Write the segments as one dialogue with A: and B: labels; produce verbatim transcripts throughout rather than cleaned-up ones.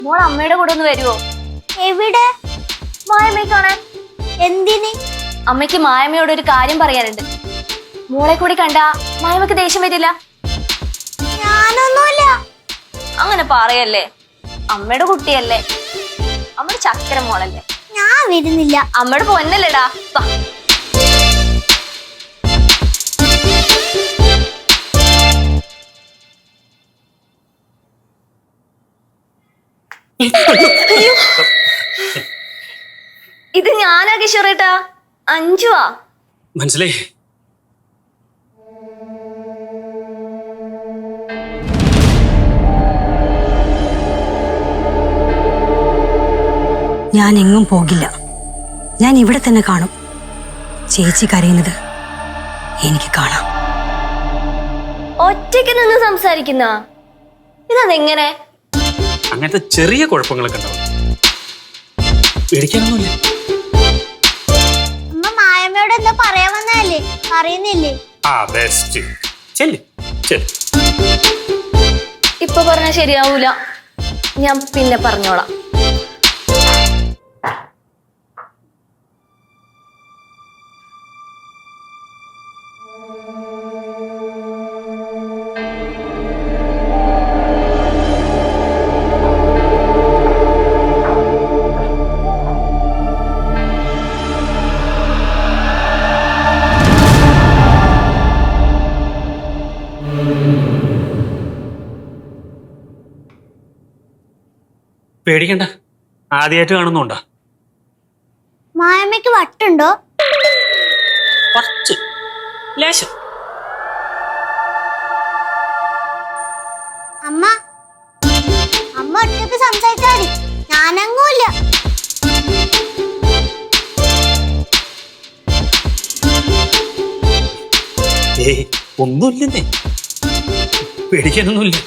A: മോൾ അമ്മയുടെ കൂടെ ഒന്ന് വരുവോ?
B: എവിടെ?
A: മായമ്മയെ കാണാൻ.
B: എന്തിന്?
A: അമ്മയ്ക്ക് മായമ്മയോട് ഒരു കാര്യം പറയാനുണ്ട്. മോളെ കൂടി കണ്ടാ മായമ്മക്ക് ദേഷ്യം വരില്ല.
B: ഞാനൊന്നുമില്ല.
A: അങ്ങനെ പറയല്ലേ, അമ്മയുടെ കുട്ടിയല്ലേ, അമ്മയുടെ ചക്കര മോളല്ലേ.
B: ഞാൻ വരുന്നില്ല.
A: അമ്മയുടെ പൊന്നല്ലേടാ. ഇത് ഞാനാ കിഷോറേട്ടാ, അഞ്ചുവാ.
C: മനസ്സിലായി.
D: ഞാൻ എങ്ങും പോകില്ല. ഞാൻ ഇവിടെ തന്നെ കാണും. ചേച്ചി കരയുന്നത് എനിക്ക് കാണാം.
A: ഒറ്റയ്ക്ക് നിന്ന് സംസാരിക്കുന്ന ഇതെങ്ങനെ?
C: അങ്ങനത്തെ ചെറിയ കുഴപ്പങ്ങളൊക്കെ ഉണ്ടാവും. പേടിക്കാനൊന്നുമില്ല.
B: അമ്മ മായമ്മയോട് എന്താ പറയാൻ വന്നല്ലേ? പറയുന്നില്ലേ?
C: ആ ബെസ്റ്റ്. ചെല്ല് ചെല്ല്.
A: ഇപ്പൊ പറഞ്ഞാൽ ശരിയാവൂല, ഞാൻ പിന്നെ പറഞ്ഞോളാം.
C: പേടിക്കണ്ട, ആദ്യമായിട്ട് കാണുന്നുണ്ടോ?
B: മായമ്മയ്ക്ക് വട്ടുണ്ടോ?
C: കുറച്ച് ലേശം.
B: അമ്മ അമ്മ ഒറ്റയ്ക്ക് സംസാരിച്ചാൽ ഞാനങ്ങൂല്ല.
C: ഏയ് ഒന്നുമില്ലെന്നേ, പേടിക്കാനൊന്നുമില്ല.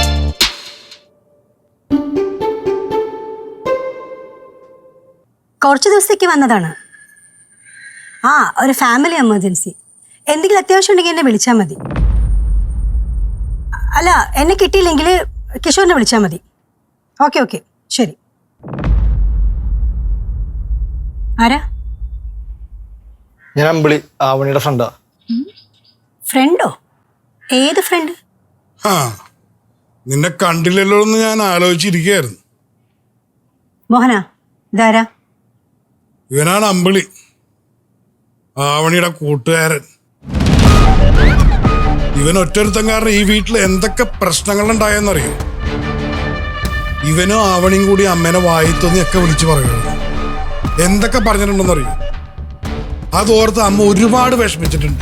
D: കുറച്ച് ദിവസത്തേക്ക് വന്നതാണ്. ആ ഒരു ഫാമിലി എമർജൻസി. എന്തെങ്കിലും അത്യാവശ്യം ഉണ്ടെങ്കിൽ എന്നെ വിളിച്ചാൽ മതി. അല്ല, എന്നെ കിട്ടിയില്ലെങ്കിൽ കിഷോറിനെ വിളിച്ചാൽ മതി. ഓക്കെ ഓക്കെ ശരി. ആരാ?
E: ഞാൻ അമ്പിളി, ആവണിയുടെ ഫ്രണ്ടാ.
D: ഫ്രണ്ടോ? ഏത് ഫ്രണ്ട്?
F: ആ നിന്നെ കണ്ടില്ലല്ലോ എന്ന് ഞാൻ ആലോചിച്ചിരിക്കുകയായിരുന്നു.
D: മോഹന, ഇതാരാ?
F: ഇവനാണ് അമ്പിളി, ആവണിയുടെ കൂട്ടുകാരൻ. ഇവൻ ഒറ്റൊരുത്തം കാരണം ഈ വീട്ടിൽ എന്തൊക്കെ പ്രശ്നങ്ങളുണ്ടായെന്നറിയോ? ഇവനും ആവണിയും കൂടി അമ്മേനെ വായിത്തൊന്നിയൊക്കെ വിളിച്ചു പറയുന്നു. എന്തൊക്കെ പറഞ്ഞിട്ടുണ്ടെന്നറിയോ? അതോർത്ത് അമ്മ ഒരുപാട് വിഷമിച്ചിട്ടുണ്ട്.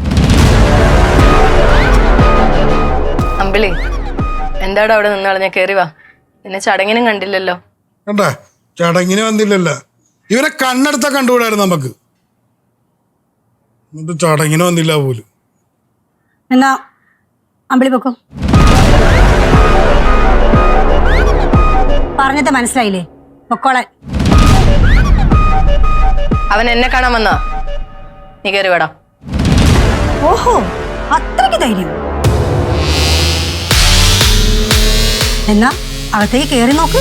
G: അമ്പിളി, എന്താടാ അവിടെ നിന്നാളെ? കയറി വാ. എന്നെ ചടങ്ങിനും കണ്ടില്ലല്ലോ.
F: കണ്ടാ, ചടങ്ങിന് വന്നില്ലല്ലോ. ഇവനെ കണ്ണെടുത്താ കണ്ടുകൂടായിരുന്നു നമുക്ക്. എന്നിട്ട് ചടങ്ങിന് വന്നില്ല പോലും.
D: എന്നാ അമ്പിളി പൊക്കോ. പറഞ്ഞത് മനസ്സിലായില്ലേ? പൊക്കോളാൻ.
G: അവൻ എന്നെ കാണാൻ വന്നാ? നീ കയറി വേടാ.
D: ഓഹോ, അത്രയ്ക്ക് ധൈര്യം. എന്നാ അകത്തേക്ക് കയറി നോക്ക്.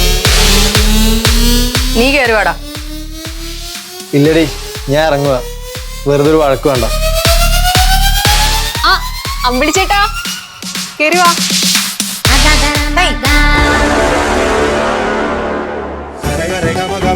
G: നീ കയറി വേടാ.
E: ഇല്ലടി, ഞാൻ ഇറങ്ങുക. വെറുതെ ഒരു വഴക്ക് വേണ്ട.
G: ആ അമ്പിളി ചേട്ടാ, കയറി വാ.
F: രേഖ, രേഖ,